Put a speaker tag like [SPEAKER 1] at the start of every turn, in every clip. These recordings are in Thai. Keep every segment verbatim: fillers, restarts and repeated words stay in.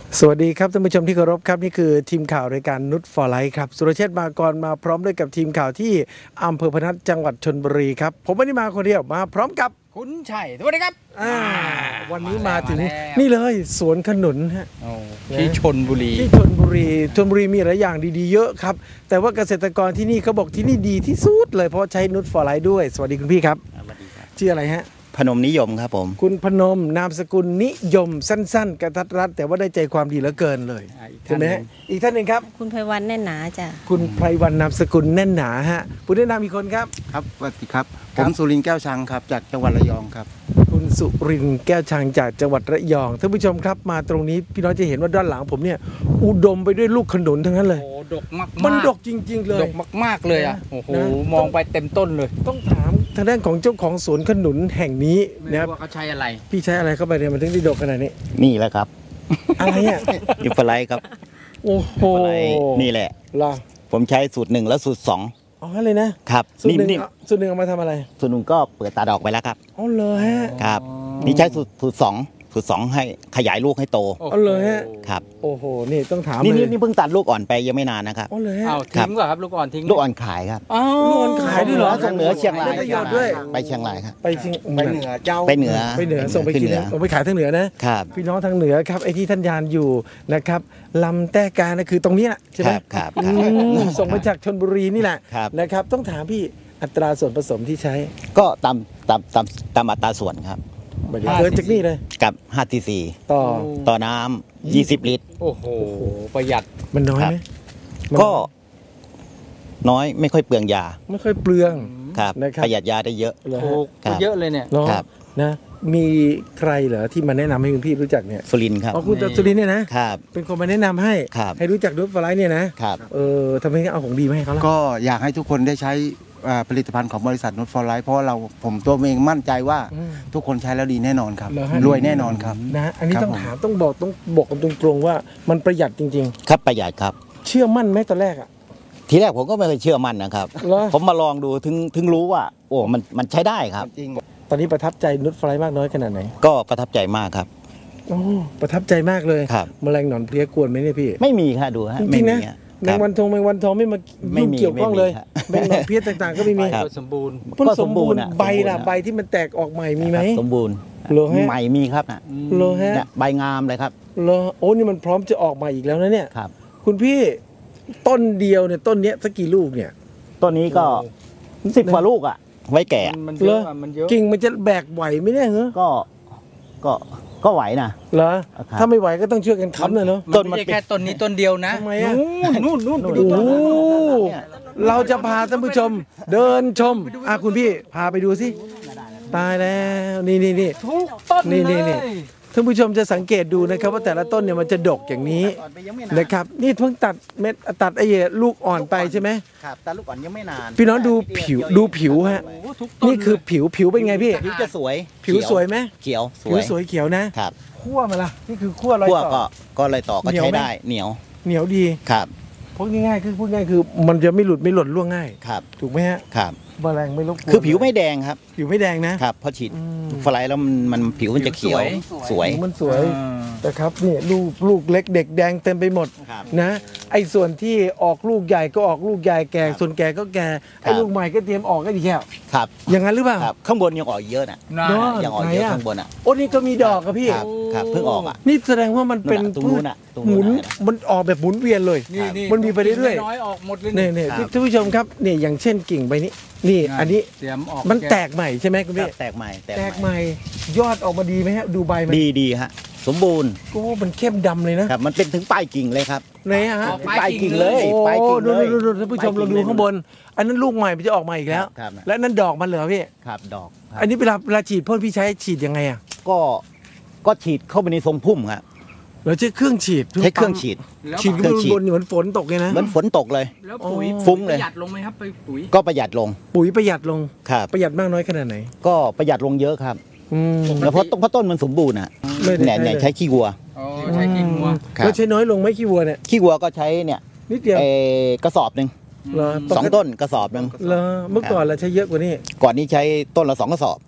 [SPEAKER 1] สวัสดีครับท่านผู้ชมที่เคารพครับนี่คือทีมข่าวรายการนุชฟอร์ไลท์ครับสุรเชษฐ์มากรมาพร้อมด้วยกับทีมข่าวที่อำเภอพนัสจังหวัดชลบุรีครับผมไม่ได้มาคนเดียวมาพร้อมกับ
[SPEAKER 2] คุณชัยสวัสดีครับ
[SPEAKER 1] วันนี้มาถึงนี่เลยสวนขนุนฮะ
[SPEAKER 2] ที่ชลบุรี
[SPEAKER 1] ที่ชลบุรีชลบุรีมีหลายอย่างดีๆเยอะครับแต่ว่าเกษตรกรที่นี่เขาบอกที่นี่ดีที่สุดเลยเพราะใช้นุชฟอร์ไลท์ด้วยสวัสดีคุณพี่ครับชื่ออะไรฮะ
[SPEAKER 3] พนมนิยมครับผม
[SPEAKER 1] คุณพนมนามสกุลนิยมสั้นๆกระทัดรัดแต่ว่าได้ใจความดีเหลือเกินเลยใช่ไหมอีกท่านหนึ่งครับ
[SPEAKER 4] คุณไพวันแน่นหนาจ้ะ
[SPEAKER 1] คุณไพวันนามสกุลแน่นหนาฮะผู้แนะนำอีกคนครับ
[SPEAKER 5] ครับสวัสดีครับผมสุรินทร์แก้วชังครับจากจังหวัดระยองครับ
[SPEAKER 1] คุณสุรินทร์แก้วชังจากจังหวัดระยองท่านผู้ชมครับมาตรงนี้พี่น้องจะเห็นว่าด้านหลังผมเนี่ยอุดมไปด้วยลูกขนุนทั้งนั้นเลย
[SPEAKER 2] โอ้ดกมาก
[SPEAKER 1] มันดกจริงๆเลย
[SPEAKER 2] ดกมากๆเลยอ่ะโอ้โหมองไปเต็มต้นเลย
[SPEAKER 1] ต้องถามทางด้านของเจ้าของสวนขนุนแห่งนี้
[SPEAKER 2] นะครับว่าเขาใช้อะไร
[SPEAKER 1] พี่ใช้อะไรเข้าไปเนี่ยมันถึงได้ดกขนาดนี้
[SPEAKER 3] นี่แหละครับ
[SPEAKER 1] อะไรอ่ะ
[SPEAKER 3] ยูฟไลท์ครับ
[SPEAKER 1] โอ้โห
[SPEAKER 3] นี่แหละ
[SPEAKER 1] ล่ะ
[SPEAKER 3] ผมใช้สูตรหนึ่งแล้วสูตรสอง
[SPEAKER 1] อ๋อเลยนะครับสูตรหนึ่งสูตรหนึ่งเอามาทำอะไร
[SPEAKER 3] สูตรหนึ่งก็เปิดตาดอกไปแล้วครับ
[SPEAKER 1] อ๋อเลยฮะ
[SPEAKER 3] ครับนี่ใช้สูตรสูตรสองสูตรสองให้ขยายลูกให้โต
[SPEAKER 1] อ๋อเลยฮะ
[SPEAKER 3] ครับ
[SPEAKER 1] โอ้โหนี่ต้องถาม
[SPEAKER 3] นี่นี่เพิ่งตัดลูกอ่อนไปยังไม่นานนะครับ
[SPEAKER 1] อ๋อเลยฮะ
[SPEAKER 2] เอาทิ้งก่อนครับลูกอ่อนทิ้ง
[SPEAKER 3] ลูกอ่อนขายครับ
[SPEAKER 1] ลูกอ่อนขายด้วยเหรอ
[SPEAKER 3] ส่งเหนือเชียงราย
[SPEAKER 1] ด้วย
[SPEAKER 3] ไปเชียงรายครับ
[SPEAKER 1] ไปเชียง
[SPEAKER 5] ไปเหนือเจ้า
[SPEAKER 3] ไปเหนือ
[SPEAKER 1] ไปเหนือส่งไปกินส่งไปขายทางเหนือนะครับพี่น้องทางเหนือครับไอ้ที่ท่านยานอยู่นะครับลำแต้กานะคือตรงนี้ใช่ไหม
[SPEAKER 3] ครับ
[SPEAKER 1] ส่งมาจากชลบุรีนี่แหละนะครับต้องถามพี่อัตราส่วนผสมที่ใช้
[SPEAKER 3] ก็ตามตามตามตามอัตราส่วนครับ
[SPEAKER 1] เกินจากนี่เลย
[SPEAKER 3] กับห้าทีซี
[SPEAKER 1] ต่อ
[SPEAKER 3] ต่อน้ำยี่สิบลิตร
[SPEAKER 2] โอ้โหประหยัด
[SPEAKER 1] มันน้อยไหม
[SPEAKER 3] ก็น้อยไม่ค่อยเปลืองยา
[SPEAKER 1] ไม่ค่อยเปลือง
[SPEAKER 3] ครับประหยัดยาได้เยอะ
[SPEAKER 2] ถูกเยอะเลยเนี่ย
[SPEAKER 1] ครับนะมีใครเหรอที่มาแนะนำให้คุณพี่รู้จักเนี่ย
[SPEAKER 3] สุรินทร์ครับ
[SPEAKER 1] อ๋อคุณสุรินทร์เนี่ยนะครับเป็นคนมาแนะนำให้ให้รู้จักนุชฟอร์ไลท์เนี่ยนะครับเออทำไมเอาของดีมาให้เขาล่ะ
[SPEAKER 5] ก็อยากให้ทุกคนได้ใช้ผลิตภัณฑ์ของบริษัทนุชฟอร์ไลท์เพราะเราผมตัวเองมั่นใจว่าทุกคนใช้แล้วดีแน่นอนครับรวยแน่นอนครับ
[SPEAKER 1] นะอันนี้ต้องถามต้องบอกต้องบอกกันตรงๆว่ามันประหยัดจริง
[SPEAKER 3] ๆครับประหยัดครับ
[SPEAKER 1] เชื่อมั่นไหมตอนแรกอ่ะ
[SPEAKER 3] ทีแรกผมก็ไม่เคยเชื่อมั่นนะครับผมมาลองดูถึงถึงรู้ว่าโอ้มันมันใช้ได้ครับ
[SPEAKER 5] จริง
[SPEAKER 1] ตอนนี้ประทับใจนุชฟอร์ไลท์มากน้อยขนาดไหน
[SPEAKER 3] ก็ประทับใจมากครับ
[SPEAKER 1] โอ้ประทับใจมากเลย
[SPEAKER 3] ครับ
[SPEAKER 1] แมลงหนอนเพลี้ยกวนไหมเนี่ยพี่
[SPEAKER 3] ไม่มีค่ะดูฮะ
[SPEAKER 1] จริงๆนะแมงวันทองแมงวันทองไม่มาไม่เกี่ยวข้องเลยแมงหนอนเพลี้ยต่างๆก็ไม่มี
[SPEAKER 2] สมบูรณ์
[SPEAKER 1] ก็สมบูรณ์ใบล่ะใบที่มันแตกออกใหม่มีไหม
[SPEAKER 3] สมบูรณ์ใหม่มีครับนะ
[SPEAKER 1] โลฮะ
[SPEAKER 3] ใบงามเลยครับ
[SPEAKER 1] โลโอ้นี่มันพร้อมจะออกมาอีกแล้วนะเนี่ย
[SPEAKER 3] ครับ
[SPEAKER 1] คุณพี่ต้นเดียวเนี่ยต้นเนี้ยสักกี่ลูกเนี่ย
[SPEAKER 3] ต้นนี้ก็สิบกว่าลูกอ่ะไว้แก่
[SPEAKER 2] มันเยอะมันเยอะ
[SPEAKER 1] กิ่งมันจะแบกไหวไหมเนี่ยเหรอ
[SPEAKER 3] ก็ก็ก็ไหวนะ
[SPEAKER 1] เหรอถ้าไม่ไหวก็ต้องช่วยกันค้ำเลยเนาะ
[SPEAKER 2] ต้นมันแค่ต้นนี้ต้นเดียวนะ
[SPEAKER 1] ทำไมอ่ะ
[SPEAKER 2] นู่นนู่น
[SPEAKER 1] โอ้เราจะพาท่านผู้ชมเดินชมอ่ะคุณพี่พาไปดูสิตายแล้วนี่นี่นี่
[SPEAKER 2] ทุกต้น
[SPEAKER 1] นี่นี่นี่ท่านผู้ชมจะสังเกตดูนะครับว่าแต่ละต้นเนี่ยมันจะดกอย่างนี้นะครับนี่เพิ่งตัดเม็ดตัดไอ้ลูกอ่อนไปใช่ไหม
[SPEAKER 3] ครับตัดลูกอ่อนยังไม่นาน
[SPEAKER 1] พี่น้องดูผิวดูผิวฮะนี่คือผิวผิวเป็นไงพี่
[SPEAKER 3] ผิวจะสวย
[SPEAKER 1] ผิวสวยไหม
[SPEAKER 3] เขียว
[SPEAKER 1] ผิวสวยเขียวนะครับคั่วมาละนี่คือคั่วอะไรต่อ
[SPEAKER 3] ก็ก็อะไรต่อก็ใช้ได้เหนียว
[SPEAKER 1] เหนียวดี
[SPEAKER 3] ครับ
[SPEAKER 1] พูดง่ายๆคือพูดง่ายคือมันจะไม่หลุดไม่หล่นร่วงง่าย
[SPEAKER 3] ครับ
[SPEAKER 1] ถูกไหมฮะ
[SPEAKER 3] ครับ
[SPEAKER 1] แมลงไม่รบกวน
[SPEAKER 3] คือผิวไม่แดงครับ
[SPEAKER 1] ผิวไม่แดงนะครับ
[SPEAKER 3] พอฉีดฟลายแล้วมันมันผิวมันจะเขียวสวย
[SPEAKER 1] มันสวยแต่ครับนี่ลูกลูกเล็กเด็กแดงเต็มไปหมดนะไอ้ส่วนที่ออกลูกใหญ่ก็ออกลูกใหญ่แก่ส่วนแก่ก็แก่ไอ้ลูกใหม่ก็เตรียมออกก็ดีแค่
[SPEAKER 3] ครับ
[SPEAKER 1] อย่างนั้นหรือเปล่า
[SPEAKER 3] ข้างบนยังออกเยอะนะยังออกเยอะข้างบนอ่ะ
[SPEAKER 1] โอ้นี่ก็มีดอกครับพี่
[SPEAKER 3] ครับเพิ่งออกอ่ะ
[SPEAKER 1] นี่แสดงว่ามันเป็นพืชหมุนมันออกแบบหมุนเวียนเลยมันมีไปเรื่อย
[SPEAKER 2] ๆออกหมดเลย
[SPEAKER 1] นี่ๆท่านผู้ชมครับเนี่ยอย่างเช่นกิ่งใบนี้นี่อันนี้มันแตกใหม่ใช่ไหมคุณพี่
[SPEAKER 3] แตกใหม่
[SPEAKER 1] แตกใหม่ยอดออกมาดีไหมฮะดูใบมัน
[SPEAKER 3] ดีดีฮะสมบูรณ์
[SPEAKER 1] โอ้มันเข้มดำเลยนะครับ
[SPEAKER 3] มันเป็นถึงปลายกิ่งเลยครับ
[SPEAKER 1] ไหนฮะ
[SPEAKER 3] ปลายกิ่งเลย
[SPEAKER 1] ปลายกิ่งเลยดูท่านผู้ชมเราดูข้างบนอันนั้นลูกใหม่มันจะออกมาอีกแล้วและนั่นดอกมันเหรอพี่
[SPEAKER 3] ครับดอก
[SPEAKER 1] อันนี้เวลาเวลาฉีดพ่นพี่ใช้ฉีดยังไงอ่ะ
[SPEAKER 3] ก็ก็ฉีดเข้าไปในทรงพุ่มครับ
[SPEAKER 1] เราใช้เครื่องฉีด
[SPEAKER 3] ใช้เครื่องฉีด
[SPEAKER 1] ฉีดขึ้นบนเหมือนฝนตกเลยนะ
[SPEAKER 3] เหมือนฝนตกเลย
[SPEAKER 2] แล้วปุ๋ย
[SPEAKER 3] ฟุ้งเลย
[SPEAKER 2] ประหยัดลงไหมครับไปปุ๋ย
[SPEAKER 3] ก็ประหยัดลง
[SPEAKER 1] ปุ๋ยประหยัดลง
[SPEAKER 3] ครับ
[SPEAKER 1] ประหยัดมากน้อยขนาดไหน
[SPEAKER 3] ก็ประหยัดลงเยอะครับแล้วเพราะต้นเพราะต้นมันสมบูรณ์อ่ะเนี่ยเนี่ยใช้ขี้วัว
[SPEAKER 2] ใช้ขี้วัว
[SPEAKER 1] แล้วใช้น้อยลงไหมขี้วัวเนี่ย
[SPEAKER 3] ขี้วัวก็ใช้เนี่ย
[SPEAKER 1] นิดเดียว
[SPEAKER 3] กระสอบหนึ่งสองต้นกระสอบหนึ่ง
[SPEAKER 1] เมื่อก่อนเราใช้เยอะกว่านี้
[SPEAKER 3] ก่อนนี้ใช้ต้นละสองกระสอบ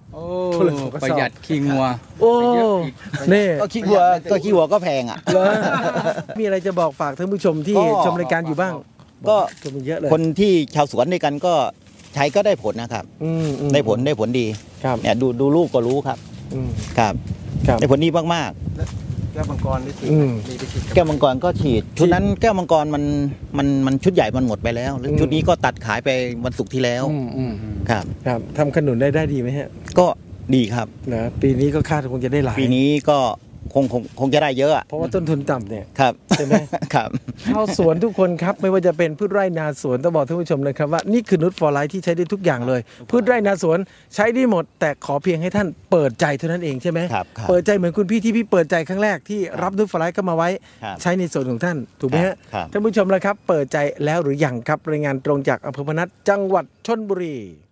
[SPEAKER 2] โอ้ประหยัดขี้งัว
[SPEAKER 1] โอ้
[SPEAKER 2] เยอะอีก
[SPEAKER 1] นี่
[SPEAKER 3] ก็ขี้วัวก็ขี้วัวก็แพงอ่ะ
[SPEAKER 1] เหรอมีอะไรจะบอกฝากท่านผู้ชมที่
[SPEAKER 3] ก็
[SPEAKER 1] ชมรายการอยู่บ้าง
[SPEAKER 3] ก็
[SPEAKER 1] ชมเยอะเลย
[SPEAKER 3] คนที่ชาวสวนด้วยกันก็ใช้ก็ได้ผลนะครับ
[SPEAKER 1] อืมอืม
[SPEAKER 3] ได้ผลได้ผลดี
[SPEAKER 1] ครับ
[SPEAKER 3] เนี่ยดูดูลูกก็รู้ครับ
[SPEAKER 1] อืม
[SPEAKER 3] ครับ
[SPEAKER 1] ครับ
[SPEAKER 3] ได้ผลดีมาก
[SPEAKER 5] แก้วมังกรได้ฉีด
[SPEAKER 1] อืม
[SPEAKER 5] มีได้ฉีด
[SPEAKER 3] ๆแก้วมังกรก็ฉีดชุดนั้นแก้วมังกรมันมันมันชุดใหญ่มันหมดไปแล้วแล้ว
[SPEAKER 1] อืม
[SPEAKER 3] ชุดนี้ก็ตัดขายไปวันศุกร์ที่แล้ว
[SPEAKER 1] อืมอืม
[SPEAKER 3] ครับ
[SPEAKER 1] ครับทำขนุนได้ได้ดีไหมฮะ
[SPEAKER 3] ก็ดีครับ
[SPEAKER 1] นะปีนี้ก็คาดคงจะได้หลาย
[SPEAKER 3] ปีนี้ก็คงคงคงจะได้เยอะอะ
[SPEAKER 1] เพราะว่าต้นทุนต่ำเนี่ย
[SPEAKER 3] ครับ
[SPEAKER 1] ใช่ไหม
[SPEAKER 3] ครับ
[SPEAKER 1] ชาวสวนทุกคนครับไม่ว่าจะเป็นพืชไร่นาสวนต้องบอกท่านผู้ชมนะครับว่านี่คือนุชฟอร์ไลท์ที่ใช้ได้ทุกอย่างเลย พืชไร่นาสวนใช้ได้หมด แต่ขอเพียงให้ท่านเปิดใจเท่านั้นเองใช่ไหม
[SPEAKER 3] ครับครับ
[SPEAKER 1] เปิดใจเหมือนคุณพี่ที่พี่เปิดใจครั้งแรกที่รับนุชฟอร์ไลท์เข้ามาไว้
[SPEAKER 3] ครับ
[SPEAKER 1] ใช้ในส่วนของท่านถูกไหมฮะ
[SPEAKER 3] ครับ
[SPEAKER 1] ท่านผู้ชมแล้วครับเปิดใจแล้วหรือยังครับรายงานตรงจากอำเภอพนัสจังหวัดชลบุรี